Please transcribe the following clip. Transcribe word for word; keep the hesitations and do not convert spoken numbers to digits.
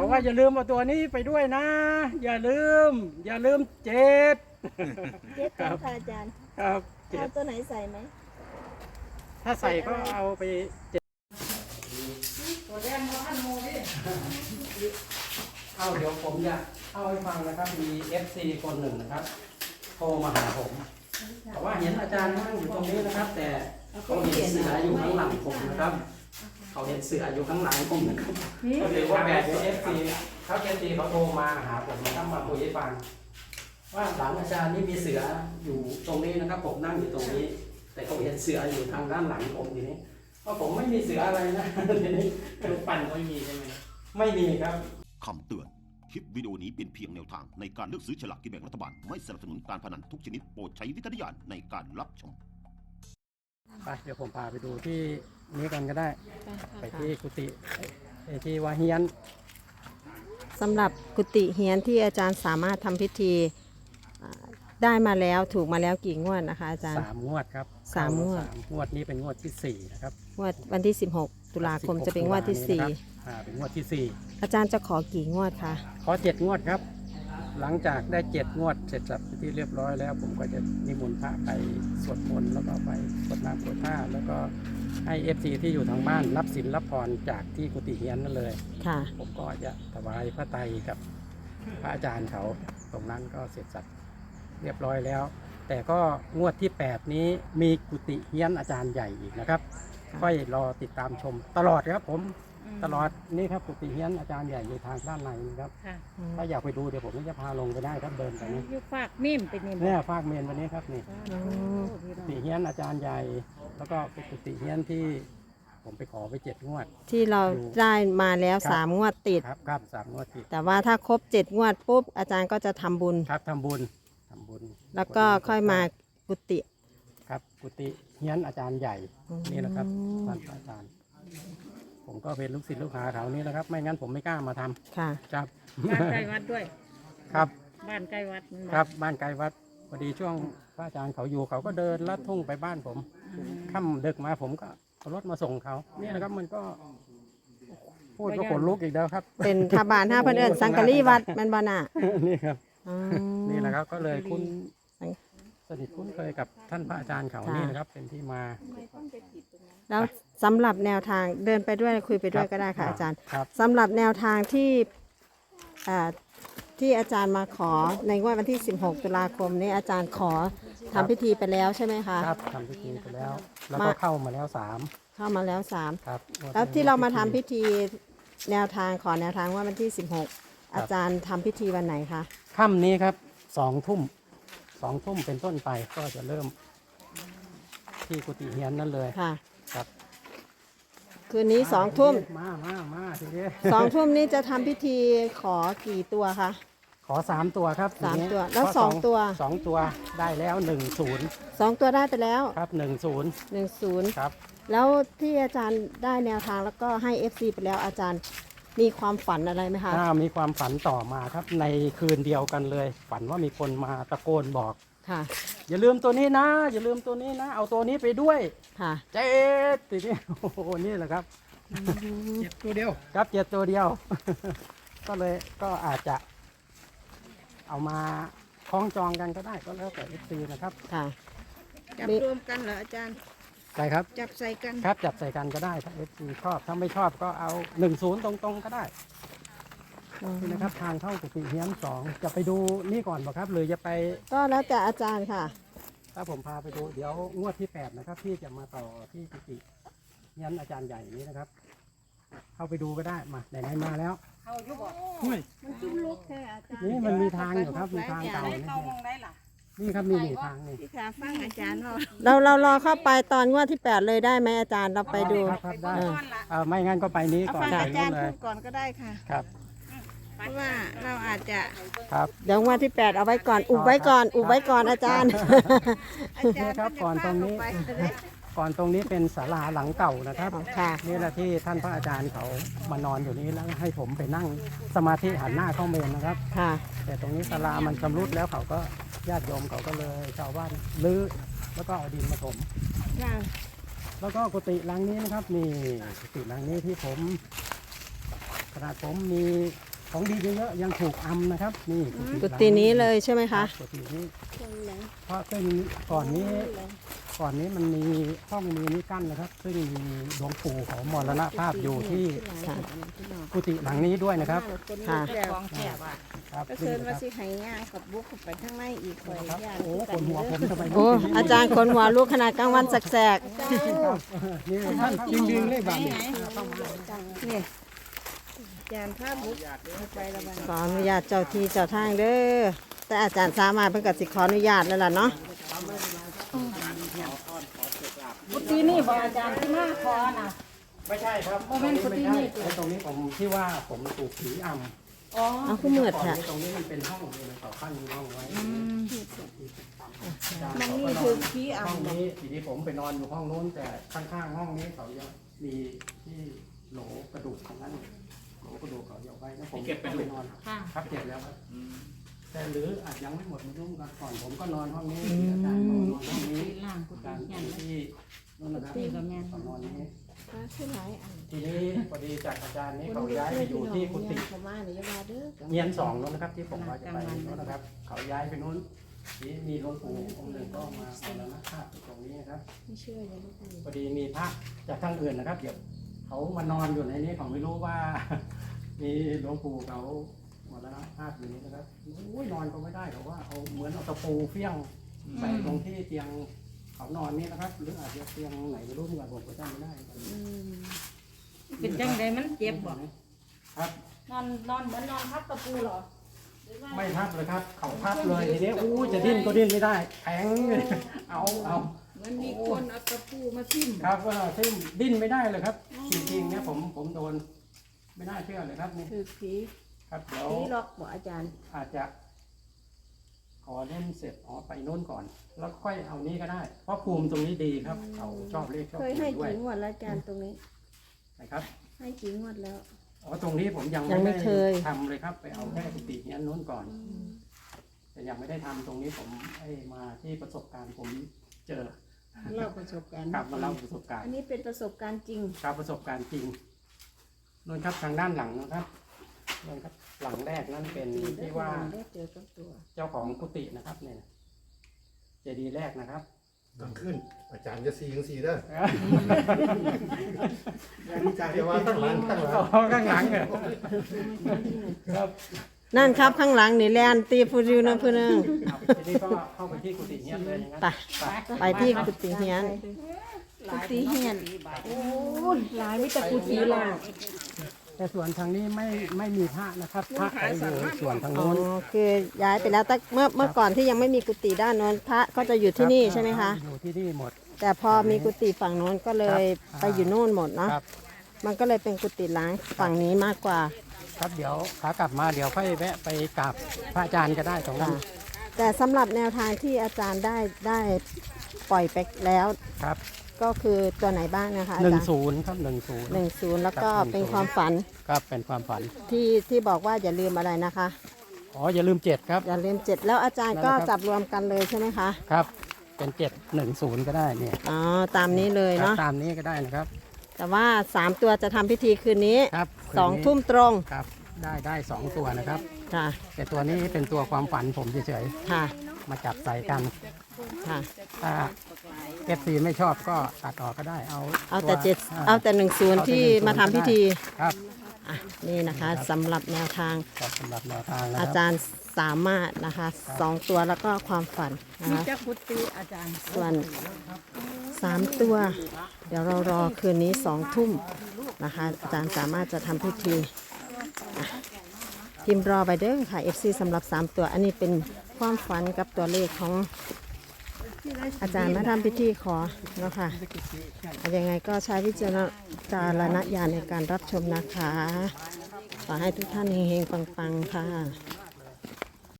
ว่าอย่าลืมเอาตัวนี้ไปด้วยนะ อย่าลืม อย่าลืมเจ็ดเจ็ดตัวค่ะอาจารย์ครับเจ็เอาดตัวไหนใส่ไหมถ้าใส่ก็เอาไปเจ็ดตัวแดงมาพันโมดิเอาเดี๋ยวผมจะเอาให้ฟังนะครับ มี เอฟ ซี คนหนึ่งนะครับโทรมาหาผมแต่ว่าเห็นอาจารย์นั่งอยู่ตรงนี้นะครับ แต่เขาเห็นเสืออยู่ข้างหลังผมนะครับ เขาเห็นเสืออยู่ข้างหลังผมนะครับก็ถือว่าแบบ เอฟ ซี เขา เอฟ ซี เขาโทรมาหาผมนะครับมาคุยให้ฟังว่าหลังอาจารย์นี่มีเสืออยู่ตรงนี้นะครับ ผมนั่งอยู่ตรงนี้ แต่เขาเห็นเสืออยู่ทางด้านหลังผมทีนี้เพราะผมไม่มีเสืออะไรนะทีนี้รูปปั้นไม่มีใช่ไหมไม่มีครับคำเตือนคลิปวิดีโอนี้เป็นเพียงแนวทางในการเลือกซื้อฉลากกินแบ่งรัฐบาลไม่สนับสนุนการพนันทุกชนิดโปรดใช้วิจารณญาณในการรับชมไปเดี๋ยวผมพาไปดูที่นี้กันก็ได้ไปที่กุฏิไอ้ที่วาเฮียนสำหรับกุฏิเฮียนที่อาจารย์สามารถทำพิธีได้มาแล้วถูกมาแล้วกี่งวดนะคะอาจารย์สามงวดครับสามงวดงวดนี้เป็นงวดที่สี่นะครับงวดวันที่สิบหกตุลาคมจะเป็นงวดที่สี่อ่าเป็นงวดที่สี่อาจารย์จะขอกี่งวดคะขอเจ็ดงวดครับหลังจากได้เจ็ดงวดเสร็จสับที่เรียบร้อยแล้วผมก็จะนิมนต์พระไปสวดมนต์แล้วก็ไปสวดน้ำสวดท่าแล้วก็ให้เอฟซีที่อยู่ทางบ้านรับศีลรับพรจากที่กุฏิเฮียนนั่นเลยค่ะผมก็จะถวายพระไตรกับพระอาจารย์เขาตรงนั้นก็เสร็จสับเรียบร้อยแล้วแต่ก็งวดที่แปดนี้มีกุฏิเฮียนอาจารย์ใหญ่อีกนะครับค่อยรอติดตามชมตลอดครับผมตลอดนี่ครับกุฏิเฮียนอาจารย์ใหญ่อยู่ทางด้านในนะครับถ้าอยากไปดูเดี๋ยวผมจะพาลงไปได้ครับเดินไปนี่ยุฝากมิ่มไปนี่เนี่ยฝากเมนวันนี้ครับนี่กุฏิเฮียนอาจารย์ใหญ่แล้วก็เป็นกุฏิเฮียนที่ผมไปขอไปเจ็ดงวดที่เราได้มาแล้วสามงวดติดครับครับสามงวดติดแต่ว่าถ้าครบเจ็ดงวดปุ๊บอาจารย์ก็จะทำบุญครับทำบุญทำบุญแล้วก็ค่อยมากุฏิครับกุฏิเฮียนอาจารย์ใหญ่นี่นะครับท่านอาจารย์ผมก็เป็นลูกศิษย์ลูกหาเขานี่นะครับไม่งั้นผมไม่กล้ามาทำค่ะครับบ้านใกล้วัดด้วยครับบ้านใกล้วัดครับบ้านใกล้วัดพอดีช่วงพระอาจารย์เขาอยู่เขาก็เดินลัดทุ่งไปบ้านผมค่ำดึกมาผมก็เอารถมาส่งเขานี่นะครับมันก็พูดก็ขนลุกอีกแล้วครับเป็นทบานห้าพันเอิญสังกะรีวัดมันบานานี่ครับนี่แหละครับก็เลยคุ้นสนิทคุ้นเคยกับท่านพระอาจารย์เขานี่นะครับเป็นที่มาแล้วสำหรับแนวทางเดินไปด้วยคุยไปด้วยก็ได้ค่ะอาจารย์สำหรับแนวทางที่ที่อาจารย์มาขอในงวดวันที่สิบหกตุลาคมนี้อาจารย์ขอทำพิธีไปแล้วใช่ไหมคะครับทำพิธีไปแล้วแล้วก็เข้ามาแล้วสามเข้ามาแล้วสามครับแล้วที่เรามาทำพิธีแนวทางขอแนวทางว่าวันที่สิบหกอาจารย์ทำพิธีวันไหนคะค่ำนี้ครับสองทุ่มสองทุ่มเป็นต้นไปก็จะเริ่มที่กุฏิเฮียนนั่นเลยค่ะครับคืนนี้สองทุ่มมามามาทีนี้สองทุ่มนี้จะทำพิธีขอกี่ตัวคะขอสามตัวครับสามตัวแล้วสองตัวสองตัวได้แล้วหนึ่งศูนย์สองตัวได้ไปแล้วครับหนึ่งศูนย์หนึ่งศูนย์ครับแล้วที่อาจารย์ได้แนวทางแล้วก็ให้ เอฟ ซี ไปแล้วอาจารย์มีความฝันอะไรไหมคะมีความฝันต่อมาครับในคืนเดียวกันเลยฝันว่ามีคนมาตะโกนบอกค่ะอย่าลืมตัวนี้นะอย่าลืมตัวนี้นะเอาตัวนี้ไปด้วยค่ะเจ็ดทีนี้โอ้โหนี่แหละครับเจ็ดตัวเดียวครับเจ็ดตัวเดียวก็เลยก็อาจจะเอามาคล้องจองกันก็ได้ก็แล้วแต่ เอฟ ซี นะครับค่ะจับรวมกันเหรออาจารย์ใช่ครับจับใส่กันครับจับใส่กันก็ได้ถ้า เอฟ ซี ชอบถ้าไม่ชอบก็เอาหนึ่งศูนย์ตรงๆก็ได้นี่นะครับทางเข้ากุฏิเฮียนสองจะไปดูนี่ก่อนป่ะครับหรือจะไปก็แล้วแต่อาจารย์ค่ะถ้าผมพาไปดูเดี๋ยวงวดที่แปดนะครับที่จะมาต่อที่กุฏิเฮียนอาจารย์ใหญ่นี้นะครับเข้าไปดูก็ได้มาไหนๆมาแล้วเข้ายุบบ่มันจุ่มลุกแค่อาจารย์นี่มันมีทางอยู่ครับมีทางเก่านี่ครับมีหนีทางนี่ที่ขาฟังอาจารย์เราเรารอเข้าไปตอนงวดที่แปดเลยได้ไหมอาจารย์เราไปดูครับได้ไม่งั้นก็ไปนี้ก่อนอาจารย์พูดก่อนก็ได้ค่ะครับเพราะว่าเราอาจจะครับเดี๋ยววันที่แปดเอาไว้ก่อนอุบไว้ก่อนอุบไว้ก่อนอาจารย์ครับก่อนตรงนี้ก่อนตรงนี้เป็นศาลาหลังเก่านะครับนี่แหละที่ท่านพระอาจารย์เขามานอนอยู่นี้แล้วให้ผมไปนั่งสมาธิหันหน้าเข้าเมนนะครับแต่ตรงนี้ศาลามันชำรุดแล้วเขาก็ญาติโยมเขาก็เลยชาวบ้านรื้อแล้วก็เอาดินมาถมแล้วก็กุฏิหลังนี้นะครับนี่กุฏิหลังนี้ที่ผมขนาดผมมีของดีเยอะๆยังถูกอำนะครับนี่กุฏินี้เลยใช่ไหมครัคะบกุฏินี้เพราะซึ่งก่อนนี้ก่อนนี้มันมีห้องมีนี้กั้นนะครับ ซึ่งมีหลวงปู่ของมรณภาพอยู่ที่ค่ะกุฏิหลังนี้ด้วยนะครับค่ะของแถบอ่ะครับก็เชิญมาสิให้ย่างกับบุกเข้าไปข้างในอีกคอยครับย่างโอ้คนหัวผมทำไมโอ้อาจารย์คนหัวลูกขนาดกลางวันแสกครับนี่ท่านจริงดึงเลยบางนี่นี่อาจารย์ภาพบุกไปละบันๆขออนุญาตเจ้าที่เจ้าทางเด้อแต่อาจารย์สามารถเพิ่งกับสิขออนุญาตแล้วล่ะเนาะกุฏินี่บอกอาจารย์ที่มาขอน่ะไม่ใช่ครับโมเมนต์กุฏินี่ไอ้ตรงนี้ผมที่ว่าผมถูกผีอำอ๋อเอาขึ้นมืดก่อนค่ะนี้ตรงนี้มันเป็นห้องเลยเขาขั้นห้องไว้มันนี่คือขี้ห้อ่ำองนี้ทีนี้ผมไปนอนอยู่ห้องนู้นแต่ข้างๆห้องนี้เขายังมีที่โหลกระดูกของนั้นโหลกระดูกเขาเอาไว้แล้วผมก็ไปนอนค่ะครับเก็บแล้วครับแต่หรืออาจยังไม่หมดมายุ่งกันก่อนผมก็นอนห้องนี้อาจารย์นอนห้องนี้ล่างกุอาฏิจารย์ยันที่นู่นนะครับกุฏิก็แม่นเขานอนนี้มาขึ้นหลายอันทีนี้พอดีจากอาจารย์นี้เขาย้ายไปอยู่ที่กุฏิเขามาเดี๋ยวจะมาเด้อเงียนสองนู้นนะครับ ที่ผมว่าจะไปนู้นนะครับ เขาย้ายไปนู้นนี่มีหลวงปู่องค์หนึ่งก็มาเอาแล้วนะภาพอยู่ตรงนี้นะครับไม่เชื่อยังไม่พูดพอดีมีพระจากทางอื่นนะครับเดี๋ยวเขามานอนอยู่ในนี้เขาไม่รู้ว่า มีหลวงปู่เขาหมดแล้วนะภาพอยู่นี้นะครับโอ้ยนอนก็ไม่ได้เขาว่าเอาเหมือนเอาตะปูเฟี้ยงใส่ตรงที่เตียงเขานอนนี่นะครับ หรืออาจจะเตียงไหนไม่รู้เหมือนกันผมก็จำไม่ได้เป็นจังไดมันเจ็บบ่ครับนอนนอนเหมือนนอนทับตะปูเหรอไม่ทับเลยครับ เขาทับเลยทีนี้อู้จะดิ้นก็ดิ้นไม่ได้แข็งเลยเอาเอามันมีคนเอาตะปูมาทิ่มครับก็ซึ่งดิ้นไม่ได้เลยครับ จริงๆเนี่ยผมผมโดนไม่น่าเชื่อเลยครับนี่คือผีครับเดี๋ยวผีล็อกบ่อาจารย์อาจจะขอเล่นเสร็จอ๋อไปโน่นก่อน แล้วค่อยเอานี้ก็ได้ เพราะภูมิตรงนี้ดีครับ เขาชอบเลขชอบเคยภูให้มิด้วกี่ยงวดแล้วอาจารย์ตรงนี้นะครับให้กี่งวดแล้วอ๋อตรงนี้ผมยังยังไม่ไม่เคได้ยทำเลยครับ ไปเอาแค่กุฏินี้อันนู้นก่อน แต่ยังไม่ได้ทำตรงนี้ผมไอ้มาที่ประสบการณ์ผมเจอเล่าประสบการณ์กลับมาเล่าประสบการณ์อันนี้เป็นประสบการณ์จริงครับประสบการณ์จริงนู่นครับทางด้านหลังนะครับนู่นครับหลังแรกนั่นเป็นที่ว่าได้เจอกับตัวเจ้าของกุฏินะครับเนี่ยเจดีย์แรกนะครับดังขึ้น อาจารย์จะสียังสีเด้อเดี๋ยวว่าข้างหลังข้างหลังเอาข้างหลังเหรอครับนั่นครับข้างหลังนี่แลนตีฟูริวนะเพื่อนงครับทีนี้ก็เข้าไปที่กุฏิเฮียนเลยอย่างนั้นไปไปที่กุฏิเฮียนกุฏิเฮียนโอ้ยหลายไม่แต่กุฏิล่างแต่ส่วนทางนี้ไม่ไม่มีพระนะครับพระเขาอยู่ส่วนทางอ๋อโน้นคือย้ายไปแล้วแต่เมื่อเมื่อก่อนที่ยังไม่มีกุฏิด้านโน้นพระก็จะอยู่ที่นี่ใช่ไหมคะอยู่ที่นี่หมดแต่พอมีกุฏิฝั่งโน้นก็เลยครับไปอยู่โน่นหมดเนาะครับมันก็เลยเป็นกุฏิล้างฝั่งนี้มากกว่าครับเดี๋ยวขากลับมาเดี๋ยวค่อยแวะไปกราบพระอาจารย์ก็ได้ตรงนั้นค่ะ แต่สำหรับแนวทางที่อาจารย์ได้ได้ปล่อยไปแล้วครับก็คือตัวไหนบ้างนะคะอาหนึ่งจารย์ศูนย์ครับหนึ่งศูนย์หนึ่งศูนย์แล้วก็ครับเป็นความฝันครับเป็นความฝันที่ที่บอกว่าอย่าลืมอะไรนะคะอ๋ออย่าลืมเจ็ดครับอย่าลืมเจ็ดแล้วอาจารย์ก็นั่นแหละครับจับรวมกันเลยใช่ไหมคะครับ เป็นเจ็ดหนึ่งศูนย์ก็ได้เนี่ยอ๋อตามนี้เลยครับเนาะตามนี้ก็ได้นะครับแต่ว่าสามตัวจะทำพิธีคืนนี้ครับสองคืนนี้ทุ่มตรงครับ ได้ได้สองตัวนะครับค่ะแต่ตัวนี้เป็นตัวความฝันผมเฉยค่ะๆมาจับใส่กันค่ะถ้าเอฟซีไม่ชอบก็ตัดออกก็ได้เอาเอาแต่วเจ็ดาเอาแต่หนึ่งศูนย์เอาแต่ที่หนึ่งศูนย์มาทำพิธีครับอ่ะนี่นะคะสำหรับแนวทางครับสำหรับแนวทางนะคอารับจารย์สามารถนะคะสองตัวแล้วก็ความฝันนะมีคะจักกุฏิอาจารย์ส่วนสามตัว เดี๋ยวเรารอคืนนี้สองทุ่มนะคะ อาจารย์สามารถจะทำพิธีอ่ะพิมพ์รอไปเด้อค่ะ เอฟ ซี สำหรับสามตัว อันนี้เป็นความฝันกับตัวเลขของอาจารย์มาทำพิธีขอเนาะค่ะอ่ะยังไงก็ใช้วิจารณญาณในการรับชมนะคะขอให้ทุกท่านเฮงๆปังๆค่ะ